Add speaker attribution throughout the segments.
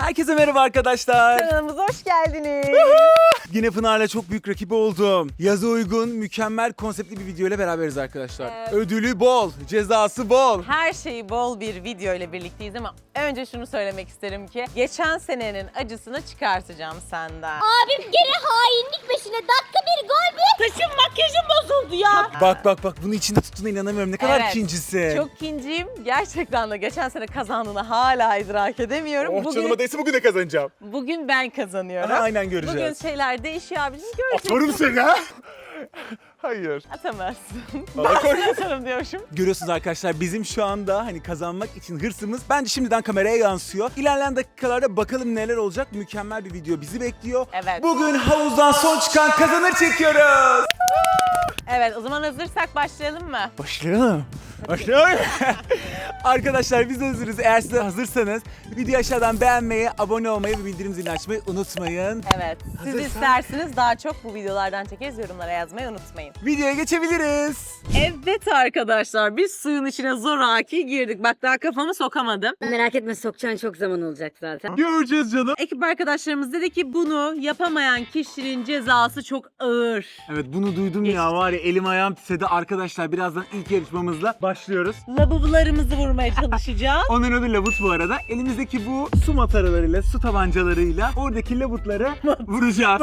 Speaker 1: Herkese merhaba arkadaşlar.
Speaker 2: Kanalımıza hoş geldiniz.
Speaker 1: Yine Pınar'la çok büyük rakibi oldum. Yaza uygun, mükemmel konseptli bir video ile beraberiz arkadaşlar.
Speaker 2: Evet.
Speaker 1: Ödülü bol, cezası bol.
Speaker 2: Her şeyi bol bir video ile birlikteyiz ama önce şunu söylemek isterim ki geçen senenin acısını çıkartacağım senden.
Speaker 3: Abim gene hainlik peşine. Dakika bir gol bir. Saçım makyajım bozuldu ya.
Speaker 1: Bak bunu içinde tuttuğuna inanamıyorum. Ne kadar
Speaker 2: Evet,
Speaker 1: ikincisi.
Speaker 2: Çok kinciyim. Gerçekten de geçen sene kazandığını hala idrak edemiyorum.
Speaker 1: Oh canıma değse bugün de kazanacağım.
Speaker 2: Bugün ben kazanıyorum.
Speaker 1: Aha, aynen göreceğiz.
Speaker 2: Bugün şeyler değişiyor abicim, göreceksin.
Speaker 1: Atarım seni ha. Hayır.
Speaker 2: Atamazsın.
Speaker 1: Vallahi kork-
Speaker 2: Ben atarım diyormuşum.
Speaker 1: Görüyorsunuz arkadaşlar bizim şu anda hani kazanmak için hırsımız bence şimdiden kameraya yansıyor. İlerleyen dakikalarda bakalım neler olacak. Mükemmel bir video bizi bekliyor.
Speaker 2: Evet.
Speaker 1: Bugün havuzdan son çıkan kazanır çekiyoruz.
Speaker 2: Evet, o zaman hazırsak başlayalım mı?
Speaker 1: Başlayalım. Başlayalım. Arkadaşlar biz hazırız. Eğer siz de hazırsanız videoyu aşağıdan beğenmeyi, abone olmayı ve bildirim zilini açmayı unutmayın.
Speaker 2: Evet. Siz
Speaker 1: Hazırsak-
Speaker 2: isterseniz daha çok bu videolardan çekeriz. Yorumlara yazmayı unutmayın.
Speaker 1: Videoya geçebiliriz.
Speaker 2: Evet arkadaşlar, biz suyun içine zoraki girdik. Bak daha kafamı sokamadım.
Speaker 3: Merak etme, sokacağın çok zaman olacak zaten.
Speaker 1: Göreceğiz canım.
Speaker 2: Ekip arkadaşlarımız dedi ki bunu yapamayan kişinin cezası çok ağır.
Speaker 1: Evet bunu duydum ya, var ya elim ayağım titredi. Arkadaşlar birazdan ilk yarışmamızla başlıyoruz.
Speaker 2: Labubularımızı vurmaya çalışacağız.
Speaker 1: Onun adı labut bu arada. Elimizdeki bu su mataralarıyla, su tabancalarıyla oradaki labutları vuracağız.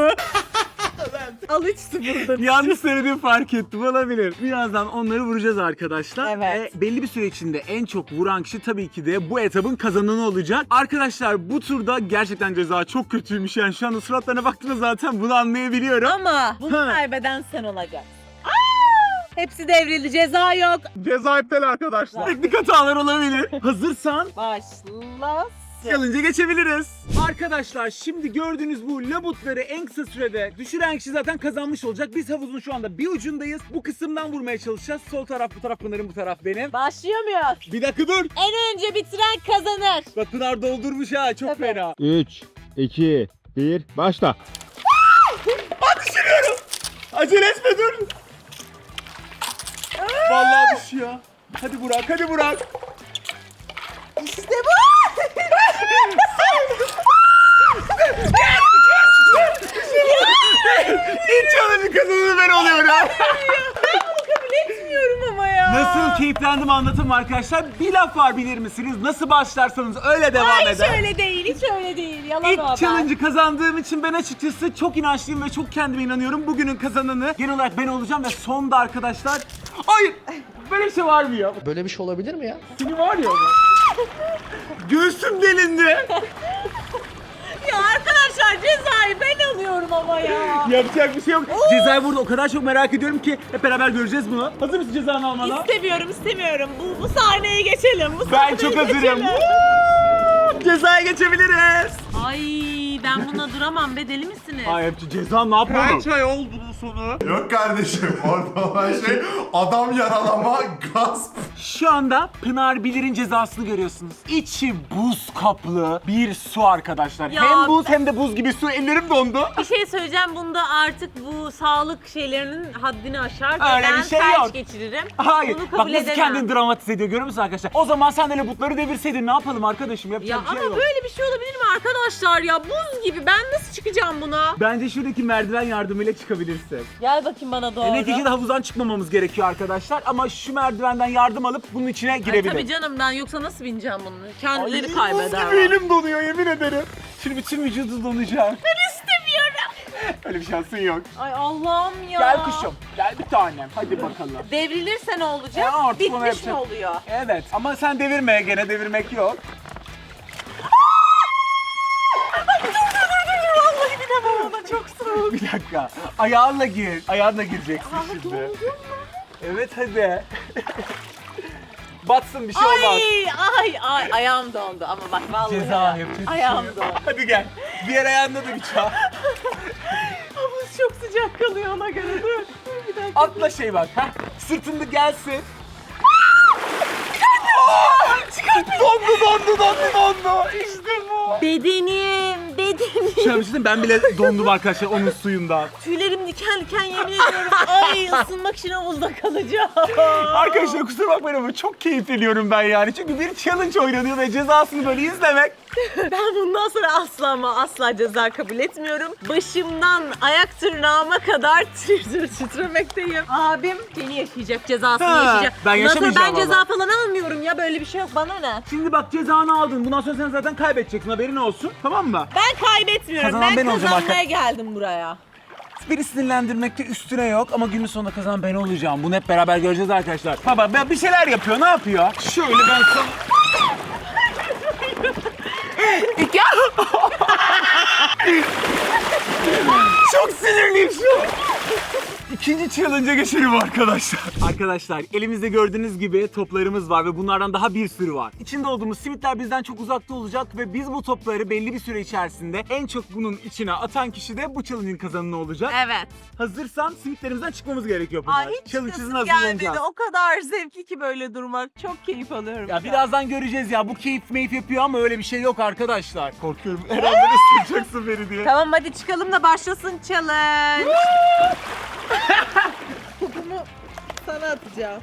Speaker 2: Al 3-0'dır.
Speaker 1: Yanlış söylediğimi fark ettim, olabilir. Birazdan onları vuracağız arkadaşlar.
Speaker 2: Evet.
Speaker 1: Belli bir süre içinde en çok vuran kişi tabii ki de bu etabın kazananı olacak. Arkadaşlar bu turda gerçekten ceza çok kötüymüş. Yani şu anda suratlarına baktığınız zaten bunu anlayabiliyorum.
Speaker 2: Ama bunu
Speaker 1: Ha.
Speaker 2: kaybeden sen olacaksın. Hepsi devrildi, ceza yok.
Speaker 1: Ceza iptal arkadaşlar. Teknik hatalar olabilir. Hazırsan
Speaker 2: Başlasın.
Speaker 1: challenge'a geçebiliriz. Arkadaşlar şimdi gördüğünüz bu labutları en kısa sürede düşüren kişi zaten kazanmış olacak. Biz havuzun şu anda bir ucundayız. Bu kısımdan vurmaya çalışacağız. Sol taraf bu taraf Pınar'ın, bu taraf benim.
Speaker 2: Başlıyor muyuz?
Speaker 1: Bir dakika dur.
Speaker 2: En önce bitiren kazanır.
Speaker 1: Bak Pınar doldurmuş ha, çok
Speaker 2: Tabii.
Speaker 1: fena.
Speaker 4: 3, 2, 1, başla.
Speaker 1: Acele etme dur. Vallahi düşüyor. Hadi Burak, hadi Burak.
Speaker 2: İşte bu.
Speaker 1: İlk challenge'ın kazananı ben oluyorum.
Speaker 2: Kabul etmiyorum ama ya.
Speaker 1: Nasıl keyiflendim anlatayım arkadaşlar. Bir laf var, bilir misiniz? Nasıl başlarsanız öyle devam
Speaker 2: Hiç
Speaker 1: eder.
Speaker 2: öyle değil, hiç öyle değil. Yalan o
Speaker 1: İlk
Speaker 2: haber.
Speaker 1: challenge'ı kazandığım için ben açıkçası çok inançlıyım ve çok kendime inanıyorum. Bugünün kazananı genel olarak ben olacağım ve sonda arkadaşlar... Hayır! Böyle bir şey var mı ya?
Speaker 5: Böyle bir şey olabilir mi ya?
Speaker 1: Seni var ya. Göğsüm delindi.
Speaker 2: Ya arkadaşlar cezayı ben alıyorum ama ya.
Speaker 1: Yapacak bir şey yok. Cezayı burada o kadar çok merak ediyorum ki hep beraber göreceğiz bunu. Hazır mısın cezanı almana?
Speaker 2: İstemiyorum. Bu sahneye geçelim. Bu
Speaker 1: Ben
Speaker 2: sahneye
Speaker 1: çok hazırım.
Speaker 2: geçelim.
Speaker 1: Cezaya geçebiliriz.
Speaker 2: Ay ben buna duramam be, deli misiniz?
Speaker 1: Ay hep ceza ne yapalım?
Speaker 6: Kaç ay oldu bunun sonu? Yok kardeşim, orada olan şey adam yaralama, gasp.
Speaker 1: Şu anda Pınar Bilir'in cezasını görüyorsunuz. İçi buz kaplı bir su arkadaşlar.
Speaker 2: Ya
Speaker 1: Hem buz hem de buz gibi su. Ellerim dondu.
Speaker 2: Bir şey söyleyeceğim, bunda artık bu sağlık şeylerinin haddini aşar ve
Speaker 1: Öyle
Speaker 2: ben
Speaker 1: bir şey
Speaker 2: felç
Speaker 1: yok.
Speaker 2: geçiririm.
Speaker 1: Hayır.
Speaker 2: Bunu
Speaker 1: Bak
Speaker 2: kabul
Speaker 1: nasıl
Speaker 2: edemem.
Speaker 1: kendini dramatize ediyor, görüyor musun arkadaşlar? O zaman sen de labutları devirseydin ne yapalım arkadaşım?
Speaker 2: Ya
Speaker 1: Yapacak bir
Speaker 2: ama
Speaker 1: şey yok.
Speaker 2: böyle bir şey olabilir mi arkadaşlar ya? Buz gibi, ben nasıl çıkacağım buna?
Speaker 1: Bence şuradaki merdiven yardımıyla çıkabilirsin.
Speaker 2: Gel bakayım bana doğru.
Speaker 1: Neticede havuzdan çıkmamamız gerekiyor arkadaşlar ama şu merdivenden yardım alıp bunun içine
Speaker 2: Ay,
Speaker 1: girebilirim.
Speaker 2: tabii canım, ben yoksa nasıl bineceğim bunu? Kendileri
Speaker 1: Buz
Speaker 2: kaybeder.
Speaker 1: gibi elim donuyor, yemin ederim. Şimdi bütün vücudu donacak.
Speaker 2: Ben istemiyorum.
Speaker 1: Öyle bir şansın yok.
Speaker 2: Ay Allah'ım ya.
Speaker 1: Gel kuşum, gel bir tanem. Hadi bakalım.
Speaker 2: Devrilirse ne olacak?
Speaker 1: Ya artık onu
Speaker 2: Bitmiş mi
Speaker 1: yapacak.
Speaker 2: oluyor?
Speaker 1: Evet ama sen devirme, gene devirmek yok.
Speaker 2: Vallahi bilemem, ona çok soğuk.
Speaker 1: Bir dakika. Ayağınla gir. Ayağınla gireceksin şimdi. Evet hadi. Batsın, bir şey olmaz.
Speaker 2: Ay ayağım dondu ama bak vallahi.
Speaker 1: Ceza yapacağız.
Speaker 2: Ayağım dondu.
Speaker 1: Hadi gel. Diğer ayağında da bir çal.
Speaker 2: Havuz çok sıcak kalıyor ona göre, dur. Bir dakika.
Speaker 1: Atla şey bak. Heh. Sırtında gelsin. Dondu. İşte bu.
Speaker 2: Bedenim.
Speaker 1: Şöyle bir şey diyeyim, ben bile dondum arkadaşlar onun suyundan.
Speaker 2: Tüylerim diken diken, yemin ediyorum. Ay ısınmak için havuzda kalacağım.
Speaker 1: Arkadaşlar kusura bakmayın ama çok keyif ediyorum ben yani. Çünkü bir challenge oynanıyor ve cezasını böyle izlemek
Speaker 2: Ben bundan sonra asla ama asla ceza kabul etmiyorum. Başımdan ayak tırnağıma kadar titremekteyim. Abim beni yaşayacak, cezasını
Speaker 1: Ha,
Speaker 2: yaşayacak.
Speaker 1: ben
Speaker 2: Bundan sonra
Speaker 1: yaşamayacağım
Speaker 2: ben ceza
Speaker 1: ama.
Speaker 2: falan almıyorum ya, böyle bir şey yok, bana ne?
Speaker 1: Şimdi bak cezanı aldın. Bundan sonra sen zaten kaybedeceksin. Haberin olsun. Tamam mı?
Speaker 2: Ben kaybetmiyorum,
Speaker 1: Kazanan ben olacağım
Speaker 2: kazanmaya geldim buraya.
Speaker 1: Beni sinirlendirmekte üstüne yok ama günün sonunda kazanan ben olacağım. Bunu hep beraber göreceğiz arkadaşlar. Baba ben bir şeyler yapıyor. Ne yapıyor? Şöyle ben sana... Çok sinirliyim şu an. İkinci challenge'a geçelim arkadaşlar. Arkadaşlar elimizde gördüğünüz gibi toplarımız var ve bunlardan daha bir sürü var. İçinde olduğumuz simitler bizden çok uzakta olacak ve biz bu topları belli bir süre içerisinde en çok bunun içine atan kişi de bu challenge'ın kazananı olacak.
Speaker 2: Evet.
Speaker 1: Hazırsan simitlerimizden çıkmamız gerekiyor Pınar.
Speaker 2: Ay hiç
Speaker 1: Challenge'ın
Speaker 2: çıkasım
Speaker 1: hazırlanacağız.
Speaker 2: gelmedi. O kadar zevkli ki böyle durmak. Çok keyif alıyorum.
Speaker 1: Ya birazdan göreceğiz ya. Bu keyif meyif yapıyor ama öyle bir şey yok arkadaşlar. Korkuyorum. Herhalde ısıracaksın beni diye.
Speaker 2: Tamam hadi çıkalım da başlasın challenge. Topumu sana atacağım.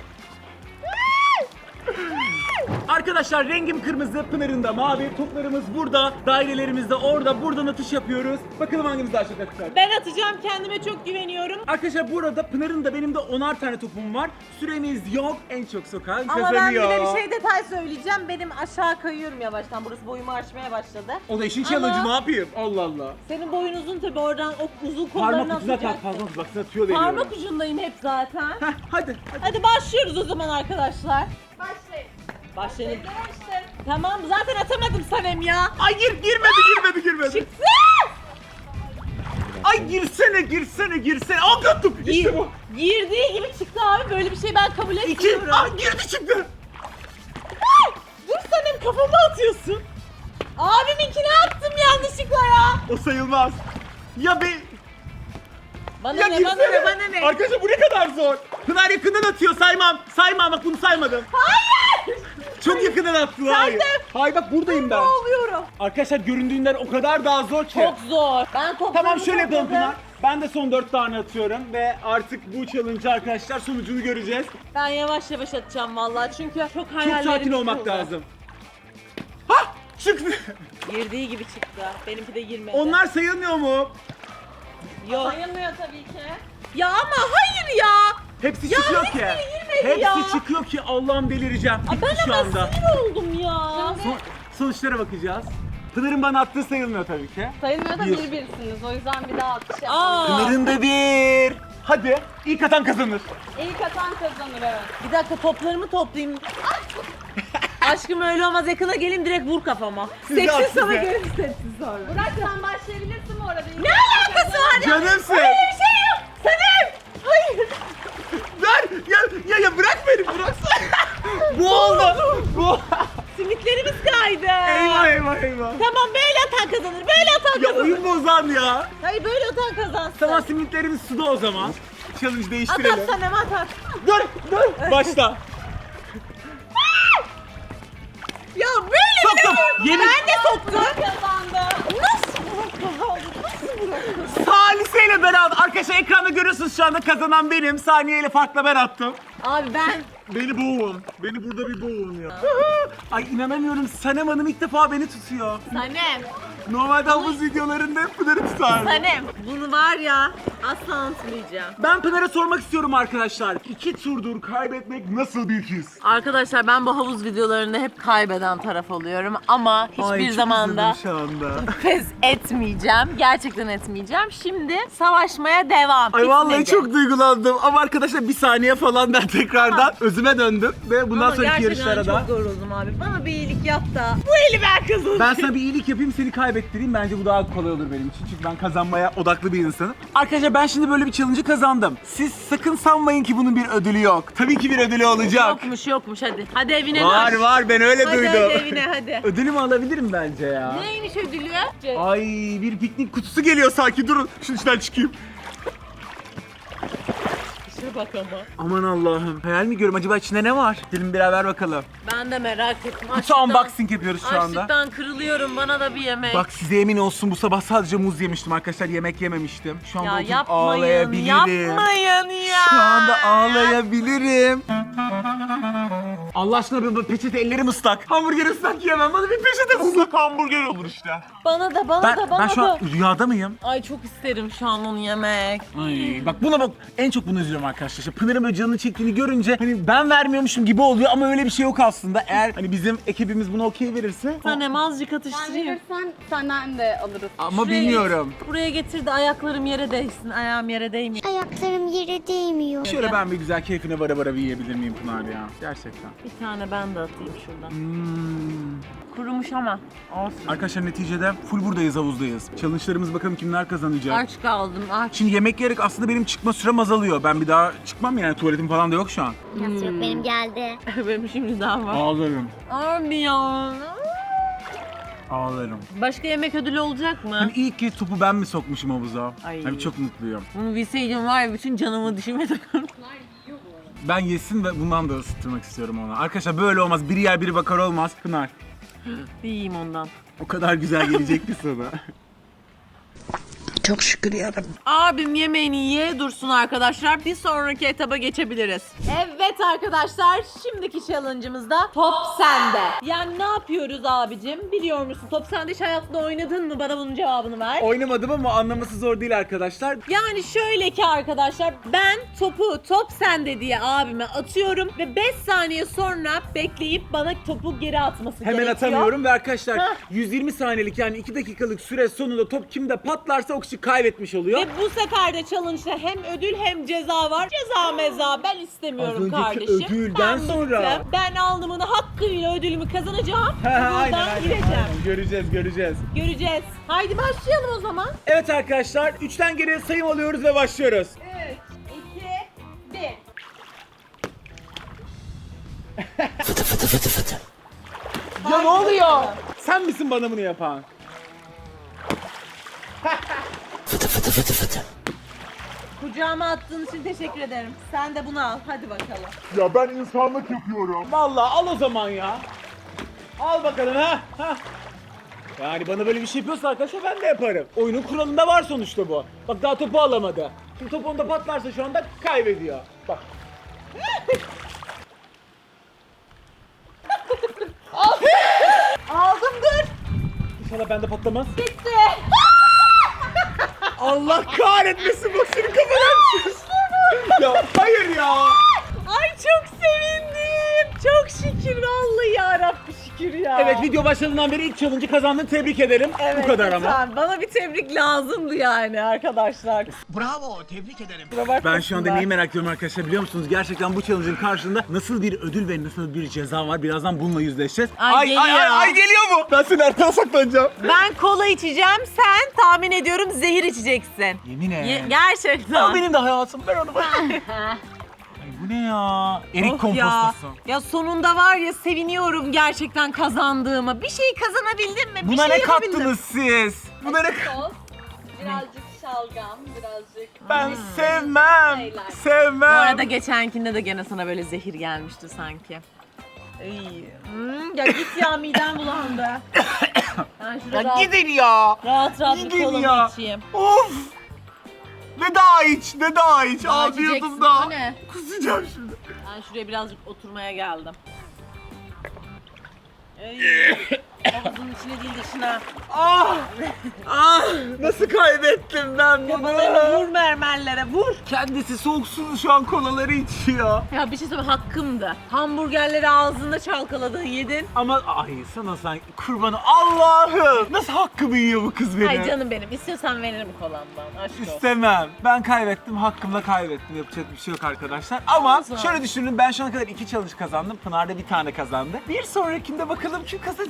Speaker 1: Arkadaşlar rengim kırmızı, Pınar'ın da mavi. Toplarımız burada, dairelerimiz de orada. Buradan atış yapıyoruz. Bakalım hangimiz daha çok atacak.
Speaker 2: Ben atacağım, kendime çok güveniyorum.
Speaker 1: Arkadaşlar burada Pınar'ın da benim de 10'ar tane topum var. Süremiz yok. En çok sokan
Speaker 2: Ama ben
Speaker 1: kazanıyor.
Speaker 2: bir de bir şey detay söyleyeceğim. Benim aşağı kayıyorum yavaştan. Burası boyumu aşmaya başladı.
Speaker 1: O da işin
Speaker 2: Ama-
Speaker 1: challenge'ı, ne yapayım? Allah Allah.
Speaker 2: Senin boyun uzun tabi, oradan o uzun kollarını
Speaker 1: Parmak ucuna tak,
Speaker 2: atacaksın.
Speaker 1: parmak bak atıyor veriyorum.
Speaker 2: Parmak ucundayım hep zaten.
Speaker 1: Heh, hadi.
Speaker 2: Hadi başlıyoruz o zaman arkadaşlar.
Speaker 3: Başlayın.
Speaker 2: Başlayalım.
Speaker 3: Başlayın.
Speaker 2: Tamam zaten atamadım Sanem ya.
Speaker 1: Ay girmedi.
Speaker 2: Çıksın.
Speaker 1: Ay girsene. Al attım. İşte bu.
Speaker 2: Girdiği gibi çıktı abi. Böyle bir şey ben kabul
Speaker 1: İki.
Speaker 2: etmiyorum.
Speaker 1: Ay girdi çıktı.
Speaker 2: Dur Sanem, kafama atıyorsun. Abiminkine attım yanlışlıkla ya.
Speaker 1: O sayılmaz. Ya be.
Speaker 2: Bana
Speaker 1: Ya
Speaker 2: ne
Speaker 1: girsene.
Speaker 2: bana ne.
Speaker 1: Arkadaşlar bu ne kadar zor. Pınar yakından atıyor, saymam. Saymam, bak bunu saymadım.
Speaker 2: Hayır.
Speaker 1: Çok yakından attın, hayır. Hayır bak buradayım ben.
Speaker 2: Ne oluyorum?
Speaker 1: Arkadaşlar göründüğünden o kadar daha zor ki.
Speaker 2: Çok zor. Ben toplarımı
Speaker 1: Tamam şöyle yapalım
Speaker 2: topladım.
Speaker 1: Pınar. Ben de son 4 tane atıyorum ve artık bu challenge arkadaşlar sonucunu göreceğiz.
Speaker 2: Ben yavaş yavaş atacağım vallahi çünkü çok hayallerim
Speaker 1: Çok sakin olmak
Speaker 2: yıkıldı.
Speaker 1: lazım. Hah! Çıktı.
Speaker 2: Girdiği gibi çıktı. Benimki de girmedi.
Speaker 1: Onlar sayılmıyor mu?
Speaker 2: Yok.
Speaker 3: Sayılmıyor tabii ki.
Speaker 2: Ya ama hayır ya.
Speaker 1: Hepsi
Speaker 2: Ya
Speaker 1: çıkıyor
Speaker 2: hiçbiri
Speaker 1: ki.
Speaker 2: girmedi
Speaker 1: Hepsi
Speaker 2: ya.
Speaker 1: çıkıyor ki Allah'ım delireceğim.
Speaker 2: Aa,
Speaker 1: Bitti
Speaker 2: ben
Speaker 1: şu
Speaker 2: ama
Speaker 1: anda.
Speaker 2: sinir oldum ya.
Speaker 1: Sonuçlara bakacağız. Pınar'ın bana attığı sayılmıyor tabii ki.
Speaker 3: Sayılmıyor da
Speaker 1: Bir.
Speaker 3: birsiniz. O yüzden bir daha atış yapalım.
Speaker 2: Aa.
Speaker 1: Pınar'ın da bir. Hadi ilk atan kazanır.
Speaker 3: İlk atan kazanır, evet.
Speaker 2: Bir dakika toplarımı toplayayım. Aşkım öyle olmaz, yakına gelin direkt vur kafama.
Speaker 1: Size
Speaker 2: Seksiz
Speaker 1: at,
Speaker 2: sana
Speaker 1: size.
Speaker 2: gelin sessiz sonra.
Speaker 3: Burak sen başlayabilirsin bu arada.
Speaker 2: Ne alakası var ya?
Speaker 1: Canımsın.
Speaker 2: Öyle bir şey yok. Sanem. Hayır.
Speaker 1: Ver ya bırak beni bıraksana. Bu oldu. Bu.
Speaker 2: Simitlerimiz kaydı.
Speaker 1: Eyvah.
Speaker 2: Tamam böyle atan kazanır. Böyle atan
Speaker 1: Ya
Speaker 2: kazanır.
Speaker 1: oyun bozan ya.
Speaker 2: Hayır böyle atan kazansın.
Speaker 1: Tamam simitlerimiz suda o zaman. Challenge
Speaker 2: At
Speaker 1: değiştirelim.
Speaker 2: at Sanem at.
Speaker 1: Dur. Başla.
Speaker 2: Ya böyle
Speaker 1: Soktum.
Speaker 2: bile
Speaker 1: Yemin-
Speaker 2: Ben de soktum.
Speaker 3: Kazandı.
Speaker 2: Nasıl kazandı? Nasıl bırakıyorsun?
Speaker 1: Salise ile beraber. Arkadaşlar ekranda görüyorsunuz şu anda kazanan benim. Saniye ile farkla ben attım.
Speaker 2: Abi ben
Speaker 1: Beni boğun. Beni burada bir boğun ya. Ay inanamıyorum. Sanem Hanım ilk defa beni tutuyor.
Speaker 2: Sanem.
Speaker 1: Normalde havuz videolarında hep Pınar'ı tutar.
Speaker 2: Sanem. Bunu var ya asla unutmayacağım.
Speaker 1: Ben Pınar'a sormak istiyorum arkadaşlar. 2 turdur kaybetmek nasıl bir his?
Speaker 2: Arkadaşlar ben bu havuz videolarında hep kaybeden taraf oluyorum ama hiçbir zamanda
Speaker 1: şu anda.
Speaker 2: pes etmeyeceğim. Gerçekten etmeyeceğim. Şimdi savaşmaya devam.
Speaker 1: Ay vallahi
Speaker 2: Bitmedi.
Speaker 1: çok duygulandım ama arkadaşlar bir saniye falan ben tekrardan özüme döndüm ve bundan
Speaker 2: Ama
Speaker 1: sonraki
Speaker 2: gerçekten
Speaker 1: yarışlara da
Speaker 2: çok yoruldum abi. Bana bir iyilik yap da bu eli ben kazanayım.
Speaker 1: ben sana bir iyilik yapayım seni kaybettireyim bence bu daha kolay olur benim için çünkü ben kazanmaya odaklı bir insanım. Arkadaşlar ben şimdi böyle bir challenge'ı kazandım. Siz sakın sanmayın ki bunun bir ödülü yok. Tabii ki bir ödülü olacak.
Speaker 2: Yokmuş hadi. Hadi evine
Speaker 1: Var
Speaker 2: dön.
Speaker 1: var ben öyle
Speaker 2: Hadi
Speaker 1: duydum.
Speaker 2: hadi evine hadi.
Speaker 1: Ödülümü alabilirim bence ya.
Speaker 2: Neymiş ödülü?
Speaker 1: Ay bir piknik kutusu geliyor sanki durun. Şunun içinden çıkayım.
Speaker 2: Tipe bak ama.
Speaker 1: Aman Allah'ım. Hayal mi görüyorum? Acaba içinde ne var? Gelin beraber bakalım.
Speaker 2: Ben de merak ettim.
Speaker 1: Kutu unboxing yapıyoruz şu anda.
Speaker 2: Açlıktan kırılıyorum. Bana da bir yemek.
Speaker 1: Bak size emin olsun bu sabah sadece muz yemiştim arkadaşlar. Yemek yememiştim. Şu anda
Speaker 2: ya
Speaker 1: oturup
Speaker 2: yapmayın.
Speaker 1: ağlayabilirim.
Speaker 2: Yapmayın ya.
Speaker 1: Şu anda ağlayabilirim. Allah aşkına bir peçete, ellerim ıslak. Hamburger ıslak yiyemem. Bana bir peçete ıslak hamburger olur işte.
Speaker 2: Bana da bana da bana
Speaker 1: Ben şu
Speaker 2: da.
Speaker 1: an rüyada mıyım?
Speaker 2: Ay çok isterim şu an onu yemek.
Speaker 1: Ay, bak buna bak, en çok bunu üzülüyorum arkadaşlar. İşte Pınar'ın böyle canını çektiğini görünce hani ben vermiyormuşum gibi oluyor ama öyle bir şey yok aslında. Eğer hani bizim ekibimiz buna okey verirse.
Speaker 2: Tanem azıcık
Speaker 3: Sen
Speaker 2: atıştırayım.
Speaker 3: verirsen senden de alırız.
Speaker 1: Ama
Speaker 2: Şuraya
Speaker 1: bilmiyorum.
Speaker 2: Buraya getir de ayaklarım yere değsin. Ayağım yere değmiyor.
Speaker 3: Ayaklarım yere değmiyor.
Speaker 1: Şöyle ben bir güzel keyfine vara vara bir yiyebilir miyim Pınar ya? Gerçekten.
Speaker 2: Bir tane ben de atayım şuradan.
Speaker 1: Hmm.
Speaker 2: Kurumuş ama. Olsun.
Speaker 1: Arkadaşlar neticede full buradayız, havuzdayız. Challenge'larımız bakalım kimler kazanacak.
Speaker 2: Aç kaldım aç.
Speaker 1: Şimdi yemek yiyerek aslında benim çıkma sürem azalıyor. Ben bir daha çıkmam yani, tuvaletim falan da yok şu an.
Speaker 3: Nasıl yok benim geldi.
Speaker 2: Benim şimdi daha var.
Speaker 1: Ağlarım.
Speaker 2: Abi ya.
Speaker 1: Ağlarım.
Speaker 2: Başka yemek ödülü olacak mı?
Speaker 1: Hani ilk kez topu ben mi sokmuşum havuza?
Speaker 2: Ay.
Speaker 1: Hani çok mutluyum.
Speaker 2: Bunu bilseydim var ya bütün canımı dişime takarım.
Speaker 1: Ben yesin ve bundan da ısıtırmak istiyorum ona. Arkadaşlar böyle olmaz. Biri yer biri bakar olmaz. Pınar.
Speaker 2: Yiyeyim ondan.
Speaker 1: O kadar güzel gelecek ki sana.
Speaker 2: Abim yemeğini ye dursun arkadaşlar. Bir sonraki etaba geçebiliriz. Evet arkadaşlar, şimdiki challenge'ımızda top sende. Yani ne yapıyoruz abicim? Biliyor musun? Top sende hiç hayatında oynadın mı? Bana bunun cevabını ver.
Speaker 1: Oynamadım ama anlaması zor değil arkadaşlar.
Speaker 2: Yani şöyle ki arkadaşlar, ben topu top sende diye abime atıyorum ve 5 saniye sonra bekleyip bana topu geri atması
Speaker 1: Hemen
Speaker 2: gerekiyor.
Speaker 1: atamıyorum ve arkadaşlar
Speaker 2: Hah.
Speaker 1: 120 saniyelik yani 2 dakikalık süre sonunda top kimde patlarsa o kişi kaybetmiş oluyor.
Speaker 2: Ve bu sefer de challenge'da hem ödül hem ceza var. Ceza meza ben istemiyorum
Speaker 1: Az önceki
Speaker 2: kardeşim.
Speaker 1: ödülden
Speaker 2: Ben
Speaker 1: sonra.
Speaker 2: bıktım. Ben alnımın hakkıyla ödülümü kazanacağım.
Speaker 1: Aynen,
Speaker 2: Buradan
Speaker 1: aynen,
Speaker 2: gireceğim.
Speaker 1: aynen. Göreceğiz.
Speaker 2: Göreceğiz. Haydi başlayalım o zaman.
Speaker 1: Evet arkadaşlar 3'ten geriye sayım alıyoruz ve başlıyoruz.
Speaker 2: 3, 2, 1.
Speaker 1: Ya ne oluyor? Sen misin bana bunu yapan?
Speaker 2: Kucağıma attığın için teşekkür ederim. Sen de bunu al. Hadi bakalım.
Speaker 1: Ya ben insanlık yapıyorum. Vallahi al o zaman ya. Al bakalım ha. Yani bana böyle bir şey yapıyorsa arkadaşlar ben de yaparım. Oyunun kuralında var sonuçta bu. Bak daha topu alamadı. Şimdi top onda patlarsa şu anda kaybediyor. Bak.
Speaker 2: Aldım dur.
Speaker 1: İnşallah bende patlamaz.
Speaker 2: Bitti.
Speaker 1: Allah kahretmesin bak senin kafanı Ya hayır ya.
Speaker 2: Ay çok sevindim. Çok şükür vallahi yarabbi şükür ya.
Speaker 1: Evet video başladığından beri ilk challenge'ı kazandın, tebrik ederim.
Speaker 2: Evet,
Speaker 1: Bu kadar ama.
Speaker 2: lütfen. Bana bir tebrik lazımdı yani arkadaşlar.
Speaker 5: Bravo, tebrik ederim.
Speaker 1: Ben şu anda neyi merak ediyorum arkadaşlar biliyor musunuz? Gerçekten bu challenge'ın karşılığında nasıl bir ödül ve nasıl bir ceza var? Birazdan bununla yüzleşeceğiz.
Speaker 2: Ay, geliyor.
Speaker 1: Geliyor mu? Ben senin arkana saklanacağım.
Speaker 2: Ben kola içeceğim, sen tahmin ediyorum zehir içeceksin.
Speaker 1: Yemin et.
Speaker 2: Gerçekten.
Speaker 1: O benim de hayatım. Ben onu Ay bu ne ya? Erik
Speaker 2: Of ya.
Speaker 1: kompostosu.
Speaker 2: Ya sonunda var ya seviniyorum gerçekten kazandığıma. Bir şey kazanabildim mi?
Speaker 1: Buna
Speaker 2: bir şey
Speaker 1: ne
Speaker 2: yapabildim.
Speaker 1: kattınız siz? Buna ne
Speaker 3: Sos, birazcık şalgam, birazcık...
Speaker 1: Ben sevmem.
Speaker 3: Şeyler.
Speaker 1: Sevmem.
Speaker 2: Bu arada geçenkinde de gene sana böyle zehir gelmişti sanki. İyi. Ya git ya midem bulandı. Ben şurada
Speaker 1: Ya gidin ya.
Speaker 2: rahat bir
Speaker 1: gidin
Speaker 2: kolamı
Speaker 1: ya.
Speaker 2: içeyim.
Speaker 1: Of. Ne daha iç, ne daha iç.
Speaker 2: Daha
Speaker 1: Ağzıyordum
Speaker 2: içeceksin,
Speaker 1: da.
Speaker 2: o ne?
Speaker 1: Kusacağım şimdi.
Speaker 2: Ben şuraya birazcık oturmaya geldim. Havuzun içine değil dışına.
Speaker 1: Ah! Ah! Nasıl kaybettim ben bunu?
Speaker 2: Kafalarını vur mermerlere vur.
Speaker 1: Kendisi soğuk sulu şu an kolaları içiyor.
Speaker 2: Ya bir şey söyleyeyim hakkımdı. Hamburgerleri ağzında çalkaladın yedin.
Speaker 1: Ama ay sana sanki kurbanı Allah'ım. Nasıl hakkımı yiyor bu kız benim?
Speaker 2: Ay canım benim istiyorsan veririm kolamdan aşk olsun.
Speaker 1: İstemem. Ben kaybettim, hakkımla kaybettim. Yapacak bir şey yok arkadaşlar. Ama
Speaker 2: Olsun.
Speaker 1: şöyle düşünün, ben şu ana kadar 2 challenge kazandım. Pınar da bir tane kazandı. Bir sonrakinde bakalım kim kazanacak?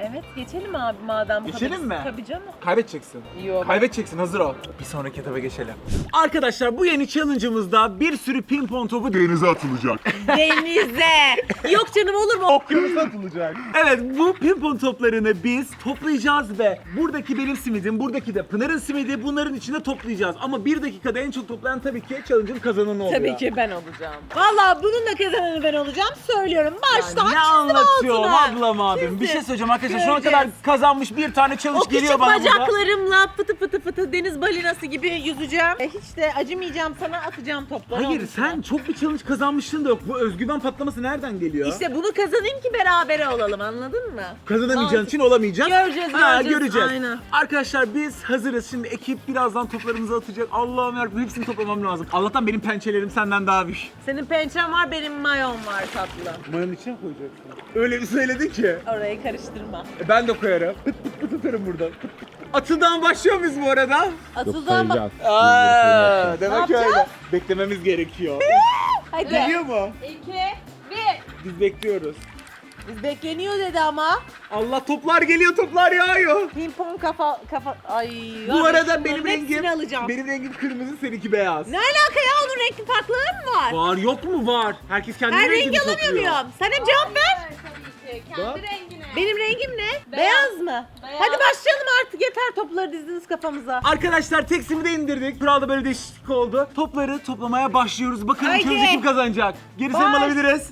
Speaker 2: Evet geçelim abi madem.
Speaker 1: Geçelim mi?
Speaker 2: Tabii canım.
Speaker 1: Kaybedeceksin.
Speaker 2: Yok.
Speaker 1: Kaybedeceksin, hazır ol. Bir sonraki etaba geçelim. Arkadaşlar bu yeni challenge'ımızda bir sürü pimpon topu
Speaker 6: Denize atılacak.
Speaker 2: Denize. Yok canım olur mu?
Speaker 1: okyanusa atılacak. Evet, bu pimpon toplarını biz toplayacağız ve buradaki benim simidim, buradaki de Pınar'ın simidi, bunların içine toplayacağız. Ama 1 dakikada en çok toplayan tabii ki challenge'ın kazananı oluyor.
Speaker 2: Tabii ki ben olacağım. Vallahi bunun da kazananı ben olacağım. Söylüyorum. Baştan
Speaker 1: Ne
Speaker 2: çizdim
Speaker 1: anlatıyorum
Speaker 2: altına.
Speaker 1: ablam abim?
Speaker 2: Çizdim.
Speaker 1: Bir şey söyleyeceğim arkadaşlar. Şu ana
Speaker 2: Göreceğiz.
Speaker 1: kadar kazanmış bir tane challenge
Speaker 2: O
Speaker 1: geliyor
Speaker 2: küçük
Speaker 1: bana burada.
Speaker 2: bacaklarımla fıtı fıtı fıtı deniz balinası gibi yüzeceğim. Hiç de acımayacağım sana, atacağım topları.
Speaker 1: Hayır,
Speaker 2: onun içine.
Speaker 1: sen çok bir challenge kazanmıştın da yok. Bu özgüven patlaması nereden geliyor?
Speaker 2: İşte bunu kazanayım ki berabere olalım, anladın mı?
Speaker 1: Kazanamayacağın için olamayacak.
Speaker 2: Göreceğiz, göreceğiz. Aynen.
Speaker 1: Arkadaşlar biz hazırız. Şimdi ekip birazdan toplarımızı atacak. Allah'ım yarabbim, hepsini toplamam lazım. Allah'tan benim pençelerim senden daha büyük.
Speaker 2: Senin pençen var, benim mayon var tatlı.
Speaker 1: Mayonun içine mi koyacaksın? Öyle bir söyledin ki.
Speaker 2: Orayı karıştırma.
Speaker 1: Ben de koyarım. Pıt pıt pıt atarım buradan. Atıldan başlıyor muyuz bu arada?
Speaker 4: Yok
Speaker 2: Atıldan bak.
Speaker 4: sayacağız.
Speaker 1: Demek
Speaker 2: Ne
Speaker 1: öyle. Beklememiz gerekiyor.
Speaker 2: Hadi.
Speaker 1: Geliyor mu?
Speaker 2: 2, 1.
Speaker 1: Biz bekliyoruz.
Speaker 2: Biz bekleniyor dedi ama.
Speaker 1: Allah, toplar geliyor, toplar yağıyor.
Speaker 2: Pimpon kafa. Ay.
Speaker 1: Bu
Speaker 2: var ya,
Speaker 1: arada
Speaker 2: şunların
Speaker 1: benim
Speaker 2: hepsini
Speaker 1: rengim
Speaker 2: alacağım.
Speaker 1: kırmızı, seninki beyaz.
Speaker 2: Ne alaka ya, onun renkli farkları mı var?
Speaker 1: Var yok mu var? Herkes kendi
Speaker 2: Her
Speaker 1: rengini
Speaker 2: rengi alamıyor
Speaker 1: topluyor.
Speaker 2: muyum? Sen hem cevap ver.
Speaker 3: Tabii ki.
Speaker 1: Bak.
Speaker 3: Kendi rengine.
Speaker 2: Benim rengim ne? Beyaz mı?
Speaker 3: Beyaz.
Speaker 2: Hadi başlayalım artık, yeter topları dizdiniz kafamıza.
Speaker 1: Arkadaşlar tek simi de indirdik. Kuralda böyle değişiklik oldu. Topları toplamaya başlıyoruz. Bakalım
Speaker 2: Haydi.
Speaker 1: çözü kim kazanacak? Gerisini
Speaker 2: Baş.
Speaker 1: alabiliriz.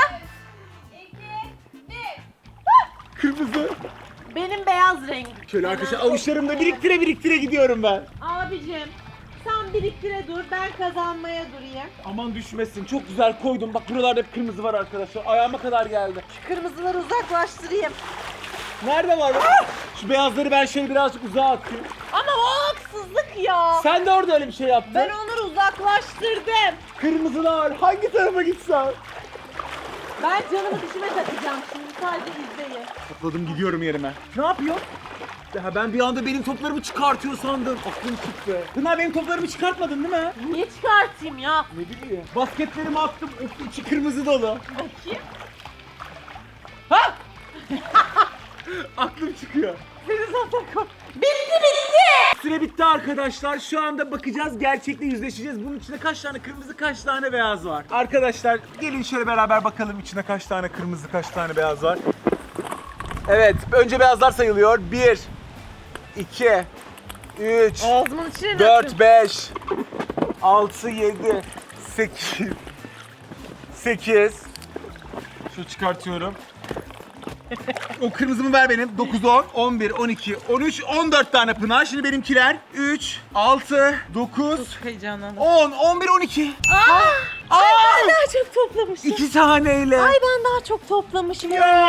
Speaker 3: 2, 1.
Speaker 1: Kırmızı.
Speaker 2: Benim beyaz rengim.
Speaker 1: Şöyle arkadaşlar avuçlarımda biriktire gidiyorum ben.
Speaker 2: Abicim sen biriktire dur, ben kazanmaya durayım.
Speaker 1: Aman düşmesin. Çok güzel koydum. Bak buralarda hep kırmızı var arkadaşlar. Ayağıma kadar geldi.
Speaker 2: Kırmızıları uzaklaştırayım.
Speaker 1: Nerede var? Şu beyazları ben şöyle birazcık uzağa atayım.
Speaker 2: Ama o haksızlık ya.
Speaker 1: Sen de orada öyle bir şey yaptın.
Speaker 2: Ben onları uzaklaştırdım.
Speaker 1: Kırmızılar hangi tarafa gitsen?
Speaker 2: Ben canımı dişime takacağım şimdi, sadece izleyin.
Speaker 1: Topladım, gidiyorum yerime. Ne yapıyor? Ya ben bir anda benim toplarımı çıkartıyor sandım. Aklım çıktı. Pınar, benim toplarımı çıkartmadın değil mi?
Speaker 2: Niye çıkartayım ya?
Speaker 1: Ne bileyim. Basketlerimi attım. Of, içi kırmızı dolu.
Speaker 2: Bakayım.
Speaker 1: Ha! Aklım çıkıyor.
Speaker 2: Seni zaten bitti.
Speaker 1: Süre bitti arkadaşlar. Şu anda bakacağız, gerçekle yüzleşeceğiz. Bunun içinde kaç tane kırmızı, kaç tane beyaz var? Arkadaşlar gelin şöyle beraber bakalım içinde kaç tane kırmızı, kaç tane beyaz var. Evet, önce beyazlar sayılıyor. 1, 2, 3,
Speaker 2: Ağzımın içine
Speaker 1: 4, 5, 6, 7, 8, 8. Şu çıkartıyorum. O kırmızımı ver benim. 9, 10, 11, 12, 13, 14 tane Pınar. Şimdi benimkiler 3, 6, 9,
Speaker 2: Heyecanlandım.
Speaker 1: 10, 11, 12.
Speaker 2: Ben daha çok toplamışım.
Speaker 1: 2 taneyle.
Speaker 2: Ay ben daha çok toplamışım.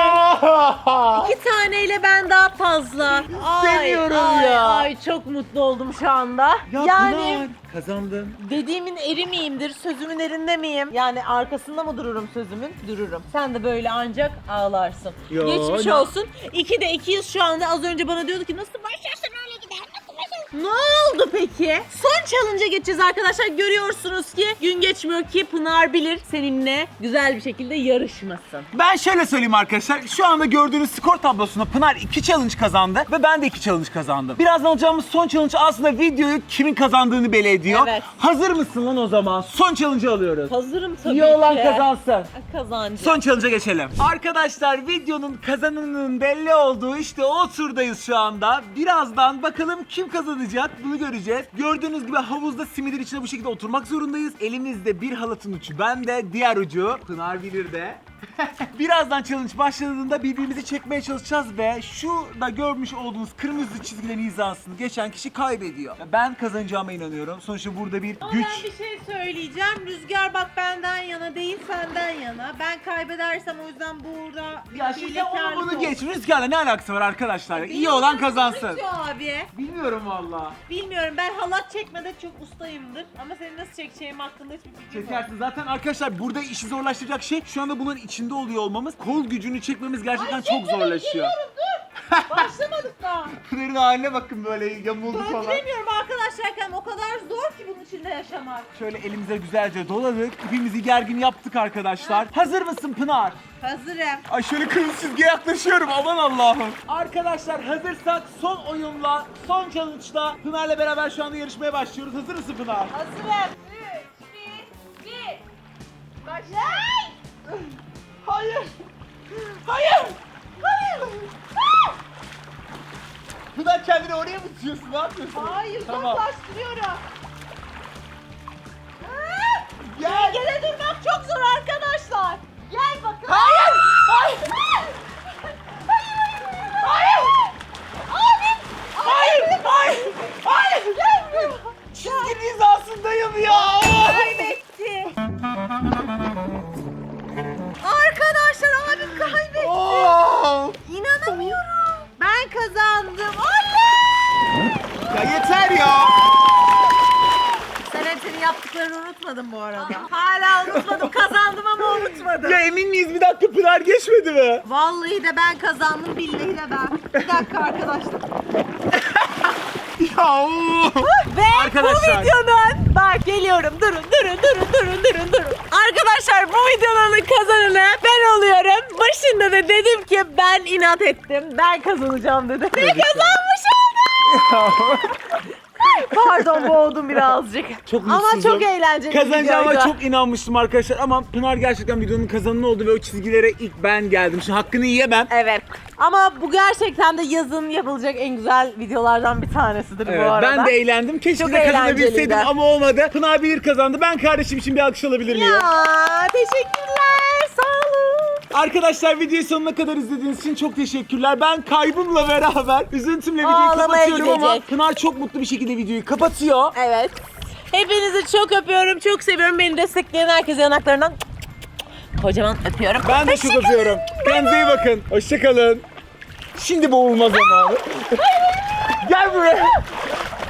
Speaker 1: Ya!
Speaker 2: 2 taneyle ben daha fazla.
Speaker 1: Seviyorum
Speaker 2: ay,
Speaker 1: ya.
Speaker 2: Ay çok mutlu oldum şu anda.
Speaker 1: Ya
Speaker 2: yani
Speaker 1: Pınar, kazandın.
Speaker 2: dediğimin eri miyimdir, sözümün erinde miyim? Yani arkasında mı dururum sözümün? Dururum. Sen de böyle ancak ağlarsın.
Speaker 1: Yo,
Speaker 2: Geçmiş
Speaker 1: ne-
Speaker 2: olsun. 2'de 2'yiz şu anda. Az önce bana diyordu ki nasıl başlarsın öyle gider. Nasıl başlarsın? Ne oldu peki? Son challenge'a geçeceğiz arkadaşlar. Görüyorsunuz ki gün geçmiyor ki Pınar bilir seninle güzel bir şekilde yarışmasın.
Speaker 1: Ben şöyle söyleyeyim arkadaşlar. Şu anda gördüğünüz skor tablosunda Pınar 2 challenge kazandı ve ben de 2 challenge kazandım. Birazdan alacağımız son challenge aslında videoyu kimin kazandığını belli ediyor.
Speaker 2: Evet.
Speaker 1: Hazır mısın lan o zaman? Son challenge'ı alıyoruz.
Speaker 2: Hazırım tabii
Speaker 1: İyi olan
Speaker 2: ki.
Speaker 1: kazansın.
Speaker 2: Kazancı.
Speaker 1: Son challenge'a geçelim. Arkadaşlar videonun kazananının belli olduğu işte o turdayız şu anda. Birazdan bakalım kim kazanacak bunu göreceğiz. Gördüğünüz gibi havuzda simidin içine bu şekilde oturmak zorundayız. Elimizde bir halatın ucu bende, diğer ucu Pınar bilir de. Birazdan challenge başladığında birbirimizi çekmeye çalışacağız ve şu da görmüş olduğunuz kırmızı çizgilerin hizasını geçen kişi kaybediyor. Ben kazanacağıma inanıyorum. Sonuçta burada bir
Speaker 2: Ama
Speaker 1: güç.
Speaker 2: ben bir şey söyleyeceğim. Rüzgar bak benden yana değil senden yana. Ben kaybedersem o yüzden burada bir
Speaker 1: Ya şimdi
Speaker 2: hilekarlık
Speaker 1: onu
Speaker 2: olsun.
Speaker 1: geç. Rüzgarla ne alakası var arkadaşlar? İyi olan kazansın.
Speaker 2: Rüzgar abi.
Speaker 1: Bilmiyorum valla.
Speaker 2: Bilmiyorum, ben halat çekmede çok ustayımdır. Ama seni nasıl çekeceğim hakkında hiçbir fikrim yok.
Speaker 1: Çekersin. Zaten arkadaşlar burada işi zorlaştıracak şey şu anda bunun içinde oluyor olmamız. Kol gücünü çekmemiz gerçekten çok zorlaşıyor.
Speaker 2: Başlamadık daha.
Speaker 1: Pınar'ın haline bakın, böyle yamuldu falan.
Speaker 2: Döndüremiyorum arkadaşlar. Şerkem o kadar zor ki bunun içinde yaşamak.
Speaker 1: Şöyle elimize güzelce doladık. İpimizi gergin yaptık arkadaşlar. Hazır mısın Pınar?
Speaker 2: Hazırım.
Speaker 1: Ay şöyle kırmızı çizgiye yaklaşıyorum, aman Allah'ım. Arkadaşlar hazırsak son oyunla, son challenge'la Pınar'la beraber şu anda yarışmaya başlıyoruz. Hazır mısın Pınar?
Speaker 2: Hazırım. 3, 2, 1. Başla.
Speaker 1: Hayır! Hayır! Hayır! Pınar kendini oraya mı tutuyorsun? Ne yapıyorsun?
Speaker 2: Hayır,
Speaker 1: Tamam.
Speaker 2: uzaklaştırıyorum.
Speaker 1: Gel!
Speaker 2: Dengede durmak çok zor arkadaşlar. Gel bakalım.
Speaker 1: Hayır! Hayır! Hayır!
Speaker 2: Abi.
Speaker 1: Hayır! Hayır! Hayır!
Speaker 2: Gelmiyor.
Speaker 1: Çizginin hizasındayım ya!
Speaker 2: Kaybetti. Arkadaşlar abim kaybetti.
Speaker 1: Oo!
Speaker 2: İnanamıyorum. Ben kazandım. Allah!
Speaker 1: Ya yeter ya!
Speaker 2: Sen hep senin yaptıklarını unutmadın bu arada. Hala unutmadım. Kazandım ama unutmadım.
Speaker 1: Ya emin miyiz? Bir dakika Pınar geçmedi mi?
Speaker 2: Vallahi de ben kazandım, billahi de ben. Bir dakika arkadaşlar.
Speaker 1: Ya oo!
Speaker 2: Ve
Speaker 1: Arkadaşlar.
Speaker 2: bu videonun, bak geliyorum, durun. Arkadaşlar bu videonun kazananı ben oluyorum. Başında da dedim ki ben inat ettim. Ben kazanacağım dedim. Ve kazanmış oldum. Pardon, boğdum birazcık.
Speaker 1: Çok
Speaker 2: ama
Speaker 1: mutsuzum.
Speaker 2: çok eğlenceli bir
Speaker 1: Kazanacağıma
Speaker 2: videoydu.
Speaker 1: çok inanmıştım arkadaşlar ama Pınar gerçekten videonun kazananı oldu ve o çizgilere ilk ben geldim. Şimdi hakkını yiyemem.
Speaker 2: Evet. Ama bu gerçekten de yazın yapılacak en güzel videolardan bir tanesidir
Speaker 1: Evet,
Speaker 2: bu arada.
Speaker 1: ben de eğlendim. Keşke
Speaker 2: Çok
Speaker 1: de kazanabilseydim
Speaker 2: eğlenceliydi.
Speaker 1: ama olmadı. Pınar bilir kazandı. Ben kardeşim için bir alkış alabilir miyim?
Speaker 2: Ya teşekkürler. Sağ olun.
Speaker 1: Arkadaşlar videoyu sonuna kadar izlediğiniz için çok teşekkürler. Ben kaybımla beraber üzüntümle videoyu
Speaker 2: Ağlamaya
Speaker 1: kapatıyorum ama
Speaker 2: gidecek.
Speaker 1: Pınar çok mutlu bir şekilde videoyu kapatıyor.
Speaker 2: Evet. Hepinizi çok öpüyorum, çok seviyorum. Beni destekleyen herkese yanaklarından kocaman öpüyorum.
Speaker 1: Ben de çok öpüyorum. Kendinize iyi bakın. Hoşçakalın. Şimdi boğulma zamanı. Gel buraya.